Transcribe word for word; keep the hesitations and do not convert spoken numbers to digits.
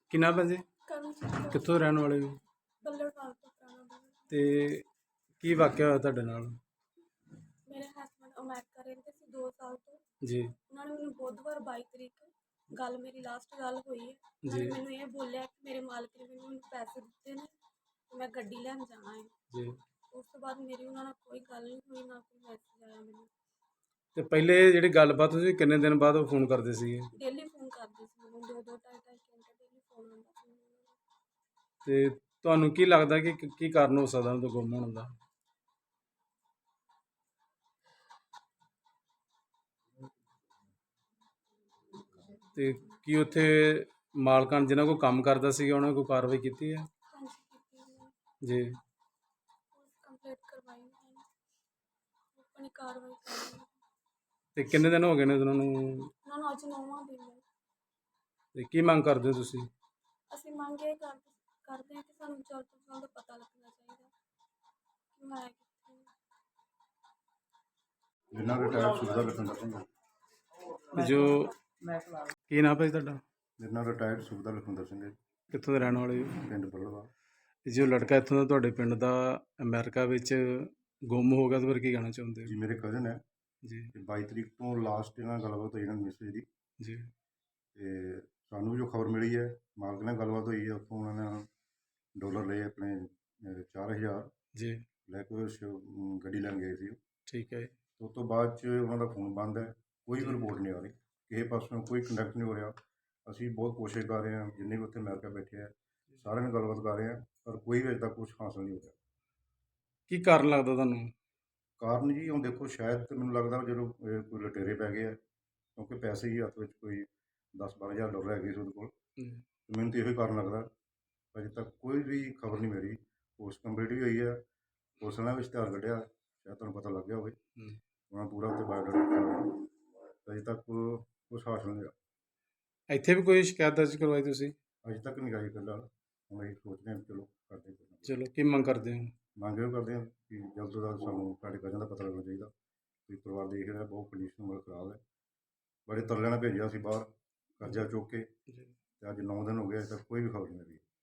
ਕੀ ਨਾਮ ਹੈ ਜੀ? ਕਰਮਜੀਤ ਕਿੱਥੋਂ ਰਹਿਣ ਵਾਲੇ ਹੋ? ਬੱਲੜਵਾਲ ਤੋਂ ਪੁਰਾਣਾ ਬਣਾ। ਤੇ ਕੀ ਵਾਕਿਆ ਹੋਇਆ ਤੁਹਾਡੇ ਨਾਲ? ਮੇਰੇ ਹਸਬੈਂਡ ਅਮਰੀਕਾ ਰਹਿੰਦੇ ਸੀ ਦੋ ਸਾਲ ਤੋਂ। ਜੀ ਉਹਨਾਂ ਨੇ ਮੈਨੂੰ ਬੁੱਧਵਾਰ ਬਾਈ ਤਰੀਕ ਗੱਲ ਮੇਰੀ ਲਾਸਟ ਗੱਲ ਹੋਈ ਹੈ। ਉਹਨਾਂ ਨੇ ਜੀ ਮੈਨੂੰ ਇਹ ਬੋਲਿਆ ਕਿ ਮੇਰੇ ਮਾਲਕ ਨੇ ਮੈਨੂੰ ਮੈਨੂੰ ਪੈਸੇ ਦਿੱਤੇ ਨੇ ਤੇ ਮੈਂ ਗੱਡੀ ਲੈਣ ਜਾਣਾ ਹੈ। ਜੀ। ਉਸ ਤੋਂ ਬਾਅਦ ਮੇਰੀ ਉਹਨਾਂ ਨਾਲ ਕੋਈ ਗੱਲ ਨਹੀਂ ਹੋਈ, ਨਾ ਕੋਈ ਮੈਸੇਜ ਆਇਆ ਮੈਨੂੰ। ਤੇ ਪਹਿਲੇ ਜਿਹੜੀ ਗੱਲਬਾਤ ਹੋਈ ਕਿੰਨੇ ਦਿਨ ਬਾਅਦ ਉਹ ਫੋਨ ਕਰਦੇ ਸੀਗੇ? ਡੇਲੀ ਫੋਨ ਕਰਦੇ ਸੀ ਮੈਨੂੰ, ਦੋ ਦੋ ਢਾਈ ਢਾਈ ਘੰਟੇ ਡੇਲੀ ਫੋਨ ਆਉਂਦਾ ਸੀ ਮੈਨੂੰ। ਤੇ ਤੁਹਾਨੂੰ ਕੀ ਲੱਗਦਾ ਕਿ ਕੀ- ਕੀ ਕਾਰਨ ਹੋ ਸਕਦਾ ਉਹਦਾ ਗੁੰਮ ਹੋਣ ਦਾ? ਤੇ ਕੀ ਉੱਥੇ ਮਾਲਕਾਂ ਜਿਨ੍ਹਾਂ ਕੋਲ ਕੰਮ ਕਰਦਾ ਸੀਗਾ ਉਹਨਾਂ ਕੋਲ ਕਾਰਵਾਈ ਕੀਤੀ ਹੈ? ਹਾਂਜੀ ਕੀਤੀ ਮੈਂ, ਜੀ। ਪੁਲਿਸ ਕੰਪਲੇਂਟ ਕਰਵਾਈ ਮੈਂ, ਆਪਣੀ ਕਾਰਵਾਈ ਕਰ ਰਹੀ ਹਾਂ। ਤੇ ਕਿੰਨੇ ਦਿਨ ਹੋ ਗਏ ਨੇ ਉਹਨਾਂ ਨੂੰ? ਉਹਨਾਂ ਨੂੰ ਅੱਜ ਨੌਵਾਂ ਦਿਨ ਹੈ। ਤੇ ਕੀ ਮੰਗ ਕਰਦੇ ਹੋ ਤੁਸੀਂ? ਅਸੀਂ ਮੰਗ ਇਹ ਕਰ ਕਰਦੇ ਹਾਂ ਕਿ ਸਾਨੂੰ ਜਲਦ ਤੋਂ ਜਲਦ ਪਤਾ ਲੱਗਣਾ ਚਾਹੀਦਾ ਕਿ ਮੈਂ ਕਿੱਥੇ ਹਾਂ। ਜਿਨ੍ਹਾਂ ਰਿਟਾਇਰਡ ਸੁਬੇਦਾਰ ਲਖਵਿੰਦਰ ਸਿੰਘ। ਜੋ ਕੀ ਨਾਮ ਹੈ ਤੁਹਾਡਾ? ਮੇਰੇ ਨਾਲ ਰਿਟਾਇਰਡ ਸੁਬੇਦਾਰ ਲਖਵਿੰਦਰ ਸਿੰਘ ਹੈ, ਕਿੱਥੋਂ ਦੇ ਰਹਿਣ ਵਾਲੇ ਹੋ? ਪਿੰਡ ਬੱਲੜਵਾਲ। ਤੇ ਜੋ ਲੜਕਾ ਇੱਥੋਂ ਦਾ ਤੁਹਾਡੇ ਪਿੰਡ ਦਾ ਅਮਰੀਕਾ ਵਿੱਚ ਗੁੰਮ ਹੋ ਗਿਆ, ਉਹਦੇ ਬਾਰੇ ਕੀ ਕਹਿਣਾ ਚਾਹੁੰਦੇ ਜੀ ਹੋ? ਮੇਰੇ ਕਜ਼ਨ ਹੈ ਜੀ ਤੇ ਬਾਈ ਤਰੀਕ ਤੋਂ ਲਾਸਟ ਇਹਨਾਂ ਨਾਲ ਗੱਲਬਾਤ ਹੋਈ ਇਹਨਾਂ ਦੀ ਮੈਸੇਜ ਦੀ। ਜੀ ਤੇ ਸਾਨੂੰ ਵੀ ਜੋ ਖਬਰ ਮਿਲੀ ਹੈ, ਮਾਲਕ ਨਾਲ ਗੱਲਬਾਤ ਹੋਈ ਹੈ, ਉੱਥੋਂ ਉਹਨਾਂ ਨੇ ਡਾਲਰ ਲਏ ਆਪਣੇ ਅਹ, ਚਾਰ ਹਜ਼ਾਰ ਜੀ। ਲੈ ਕੇ ਉਹ ਸ਼- ਅਮ, ਗੱਡੀ ਲੈਣ ਗਏ ਸੀ। ਠੀਕ ਹੈ ਤੇ ਉਸ ਤੋਂ ਬਾਅਦ 'ਚ ਉਹਨਾਂ ਦਾ ਫੋਨ ਬੰਦ ਹੈ, ਕੋਈ ਵੀ ਜੀ। ਰਿਪੋਰਟ ਨਹੀਂ ਆ ਰਹੀ, ਕਿਸੇ ਪਾਸੋਂ ਕੋਈ ਕੰਟੈਕਟ ਨਹੀਂ ਹੋ ਰਿਹਾ। ਅਸੀਂ ਬਹੁਤ ਕੋਸ਼ਿਸ਼ ਕਰ ਰਹੇ ਹਾਂ, ਜਿੰਨੇ ਵੀ ਉੱਥੇ ਅਮਰੀਕਾ ਬੈਠੇ ਆ ਸਾਰਿਆਂ ਨਾਲ ਗੱਲਬਾਤ ਕਰ ਰਹੇ ਹਾਂ, ਪਰ ਕੋਈ ਵੀ ਅਜੇ ਤੱਕ ਕੁਛ ਹਾਸਲ ਨਹੀਂ ਹੋ ਰਿਹਾ। ਕੀ ਕਾਰਨ ਲੱਗਦਾ ਤੁਹਾਨੂੰ? ਕਾਰਨ ਜੀ ਹੁਣ ਦੇਖੋ, ਸ਼ਾਇਦ ਤਾਂ ਮੈਨੂੰ ਲੱਗਦਾ ਜਦੋਂ ਇਹ ਕੋਈ ਲੁਟੇਰੇ ਪੈ ਗਏ ਆ, ਕਿਉਂਕਿ ਪੈਸੇ ਹੀ ਹੱਥ ਵਿੱਚ ਕੋਈ ਦਸ ਬਾਰਾਂ ਹਜ਼ਾਰ ਡਾਲਰ ਹੈਗੇ ਸੀ ਉਹਦੇ ਕੋਲ। ਹਮ, ਤੇ ਮੈਨੂੰ ਤਾਂ ਇਹੋ ਹੀ ਕਾਰਨ ਲੱਗਦਾ। ਅਜੇ ਤੱਕ ਕੋਈ ਵੀ ਖਬਰ ਨਹੀਂ ਮੇਰੀ। ਪੋਸਟ ਕੰਪਲੀਟ ਵੀ ਹੋਈ ਹੈ, ਪੁਲਿਸ ਨੇ ਵੀ ਇਸ਼ਤਿਹਾਰ ਕੱਢਿਆ, ਸ਼ਾਇਦ ਤੁਹਾਨੂੰ ਪਤਾ ਲੱਗ ਗਿਆ ਹੋਵੇ। ਹਮ। ਉਹਨਾਂ ਪੂਰਾ ਉੱਤੇ ਬਾਇਓਡਾਟਾ ਦਿੱਤਾ, ਅਜੇ ਤੱਕ ਕੁਛ ਹਾਸਲ ਨਹੀਂ ਹੋਇਆ। ਇੱਥੇ ਵੀ ਕੋਈ ਸ਼ਿਕਾਇਤ ਦਰਜ ਕਰਵਾਈ ਤੁਸੀਂ? ਅਜੇ ਤੱਕ ਨਹੀਂ ਆਈ ਫਿਲਹਾਲ। ਹੁਣ ਅਸੀਂ ਸੋਚਦੇ ਹਾਂ ਚਲੋ ਕਰਦੇ ਹਾਂ। ਚਲੋ ਕੀ ਮੰਗ ਕਰਦੇ ਹੋ? ਮੰਗ ਇਹ ਕਰਦੇ ਹਾਂ ਕਿ ਜਲਦ ਤੋਂ ਜਲਦ ਸਾਨੂੰ ਸਾਡੇ ਕਜ਼ਨ ਦਾ ਪਤਾ ਲੱਗਣਾ ਚਾਹੀਦਾ। ਕੋਈ ਪਰਿਵਾਰ ਦੇਖ ਰਿਹਾ, ਬਹੁਤ ਕੰਡੀਸ਼ਨ ਬਹੁਤ ਖਰਾਬ ਹੈ। ਬੜੇ ਤਰਲਿਆਂ ਨਾਲ ਭੇਜਿਆ ਸੀ ਬਾਹਰ ਕਰਜ਼ਾ ਚੁੱਕ ਕੇ, ਜੀ। ਤੇ ਅੱਜ ਨੌ ਦਿਨ ਹੋ ਗਏ, ਅਜੇ ਤੱਕ ਕੋਈ ਵੀ ਖਬਰ ਨਹੀਂ ਮਿਲੀ।